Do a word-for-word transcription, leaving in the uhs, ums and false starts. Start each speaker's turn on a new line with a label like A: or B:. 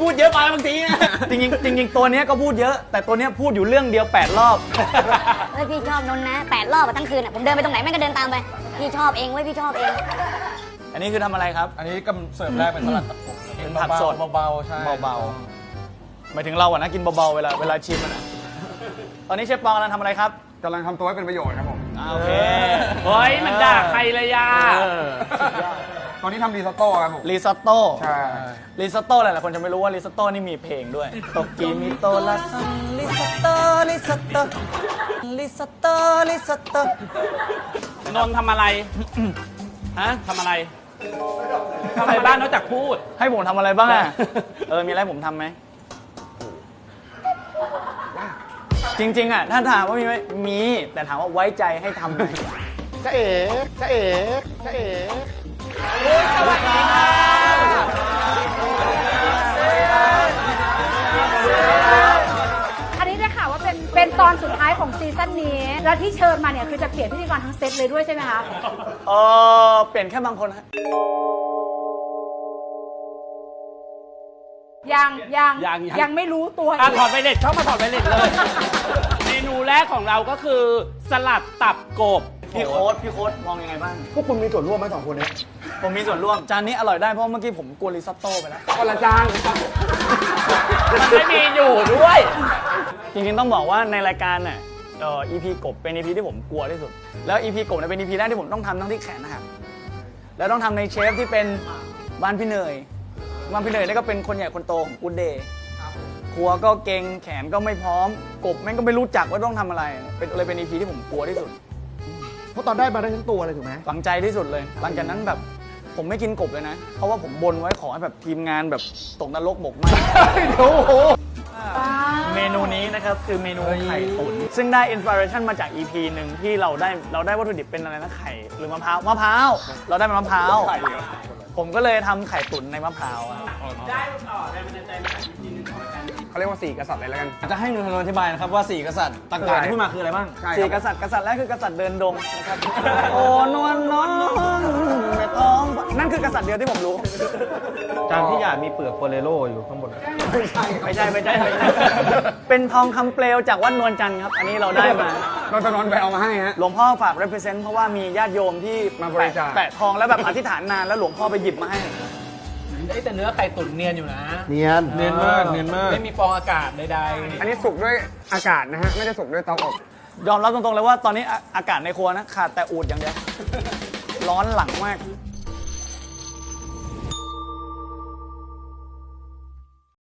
A: ดเยอะไปบางทีจริงจริงจริงตัวนี้ก็พูดเยอะแต่ตัวนี้พูดอยู่เรื่องเดียวแปดรอบ
B: เฮ้ยพี่ชอบนนนะแปดรอบทั้งคืนอ่ะผมเดินไปตรงไหนแม่งก็เดินตามไปพี่ชอบเองเว้ยพี่ชอบเอง
A: อันนี้คือทำอะไรครับ
C: อันนี้กำเสิร์ฟแรกเป็นสลัดตับกบ
A: เป็นผักสด
C: เบาๆใช่
A: เบาๆหมายถึงเราอะนะกินเบาๆเวลาเวลาชิมมันอะตอนนี้เชฟปองกำลังทำอะไรครับ
C: กำลังทำตัวให้เป็นประโยชน์ครับผม
A: โอเค
D: เฮ้ยมันด่าใครเลยยา
C: ตอนนี้ทำรีซอตโต้ครับผม
A: รีซอตโต้
C: ใช่
A: รีซอตโต้หลายๆคนจะไม่รู้ว่ารีซอตโต้นี่มีเพลงด้วยโตกิมิโตะลาซันรีซอตโต้รีซอตโต้รีซอตโต้รีซอตโต้
D: นนท์ทำอะไรฮะทำอะไรทำอะไรบ้างนอกจากพูด
A: ให้ผมทำอะไรบ้างอะเออมีอะไรผมทำไหมจริงๆอ่ะถ้าถามว่ามีไหมมีแต่ถามว่าไว้ใจให้ทำไหม
C: จ๊ะเอ๋จ๊ะเอ๋จ๊ะเอ๋
D: สวัสดีค่ะ
E: อันนี้ได้ข่าวว่าเป็นเป็นตอนสุดท้ายของซีซั่นนี้แล้วที่เชิญมาเนี่ยคือจะเปลี่ยนพิธีกรทั้งเซตเลยด้วยใช่ไหมคะ
A: เออเปลี่ยนแค่บางคนฮะ
E: ยังยังยังไม่รู้ตัว
D: อ่ะถอดไวเลสเข้ามาถอดไวเลสเลยเมนูแรกของเราก็คือสลัดตับกบ
A: พี่โค้ดพี่โค้ดมองยังไงบ้าง
C: พวกคุณมีส่วนร่วมไหมสองคนนี้
A: ผมมีส่วนร่วมจานนี้อร่อยได้เพราะเมื่อกี้ผมกลัวริซอตโต้ไปแล้ว
C: คนละจาน
D: มันไม่มีอยู่ด้วย
A: จริงๆต้องบอกว่าในรายการน่ะเอ่อ อี พี กบเป็น อี พี ที่ผมกลัวที่สุดแล้ว อี พี กบเนี่ยเป็น อี พี แรกที่ผมต้องทำทั้งที่แขนนะครับแล้วต้องทำในเชฟที่เป็นบ้านพี่เนยบ้านพี่เนยนี่ก็เป็นคนใหญ่คนโตของกู๊ดเดย์ครัวก็เก่งแขนก็ไม่พร้อมกบแม่งก็ไม่รู้จักว่าต้องทำอะไรเป็นเลยเป็น อี พี ที่ผมกลัวที่สุด
C: เพราะตอนได้มาได้ทั้งตัวเลยถูกไหม
A: ฝังใจที่สุดเลยหลังจากนั้นแบบผมไม่กินกบเลยนะเพราะว่าผมบนไว้ขอให้แบบทีมงานแบบตกนรกหมกไหมโอ้โหเมนูนี้นะครับคือเมนูไข่ตุ๋นซึ่งได้อินสปิเรชันมาจาก อี พี หนึ่งที่เราได้เราได้วัตถุดิบเป็นอะไรนะไข่หรือมะพร้าวมะพร้าวเราได้มะพร้าวผมก็เลยทำไข่ตุ๋นในมะพร้าว
D: ได้ต่อได้มันจะใจมาจาก อี พี หนึ่งของรายการ
C: เขาเรียกว่าสี่กษัตริย์เลยแล้วกัน
A: จะให้หนูทนอธิบายนะครับว่าสี่กษัตริย์ต่างๆที่พูดมาคืออะไรบ้างสี่กษัตริย์กษัตริย์แรกคือกษัตริย์เดินดงนะครับโอ้นวลน้องไม่ต้องนั่นคือกษัตริย์เดียวที่ผมรู้
C: จานที่อยากมีเปลือกโปเลโรอยู่ข้างบน
A: ไม่ใช่ไม่ใช่ไม่ใช่เป็นทองคำเปลวจากวัดนวลจันทร์ครับอันนี้เราได้มา
C: เราจะนอนไปเอามาให้ฮะ
A: หลวงพ่อฝาก represent เพราะว่ามีญาติโยมที่
C: มาบริจาค
A: แปะทองแล้วแบบอธิษฐานนานแล้วหลวงพ่อไปหยิบมาให้
D: แต่เนื้อไข่ตุ๋นเนียนอยู่นะ
C: เนียนเนียนมากเนียนมาก
D: ไม่มีฟองอากาศใด
C: ๆอันนี้สุกด้วยอากาศนะฮะไม่ได้สุกด้วยเตาอบ
A: ยอมรับตรงๆเลยว่าตอนนี้อากาศในครัวนะขาดแต่อูดอย่างเดียวร้อนหลังมาก